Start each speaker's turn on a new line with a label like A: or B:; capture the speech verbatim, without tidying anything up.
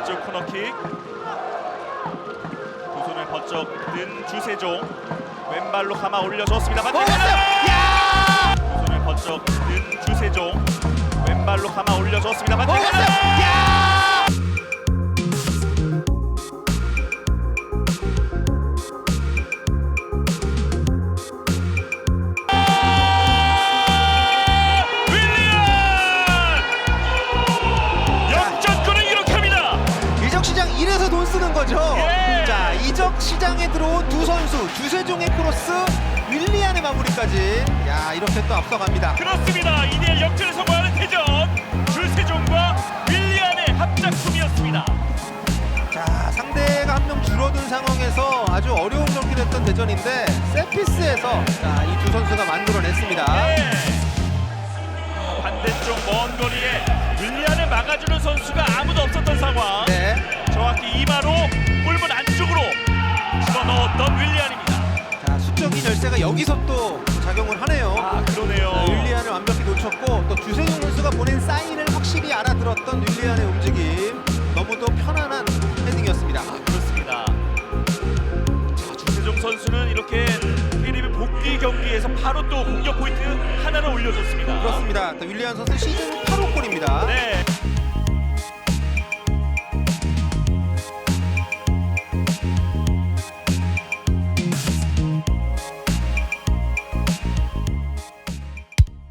A: 왼쪽 코너킥. 두 손을 번쩍 든 주세종. 왼발로 감아 올려줬습니다.
B: 야!
A: 두 손을 번쩍 든 주세종. 왼발로 감아 올려줬습니다. 반대편.
B: 야! 이적 시장 이래서 돈 쓰는 거죠.
A: 예.
B: 자, 이적 시장에 들어온 두 선수, 주세종의 크로스, 윌리안의 마무리까지. 야, 이렇게 또 앞서갑니다.
A: 그렇습니다. 이 대 일 역전에 성공하는 대전. 주세종과 윌리안의 합작품이었습니다.
B: 자, 상대가 한 명 줄어든 상황에서 아주 어려운 경기 됐던 대전인데 세피스에서 자, 이 두 선수가 만들어냈습니다.
A: 네. 반대쪽 먼 거리에 윌리안을 막아주는 선수가 아무도 없었던 상황.
B: 네.
A: 정확히 이마로 골문 안쪽으로 집어넣었던 윌리안입니다.
B: 자, 수적인 열쇠가 여기서 또 작용을 하네요.
A: 아, 그러네요.
B: 자, 윌리안을 완벽히 놓쳤고 또 주세종 선수가 보낸 사인을 확실히 알아들었던 윌리안의 움직임. 너무도 편안한 헤딩이었습니다.
A: 아, 그렇습니다. 자, 주세종 선수는 이렇게 K리그 복귀 경기에서 바로 또 공격 포인트 하나를 올려줬습니다.
B: 그렇습니다. 또 윌리안 선수 시즌 팔 호 골입니다.
A: 네.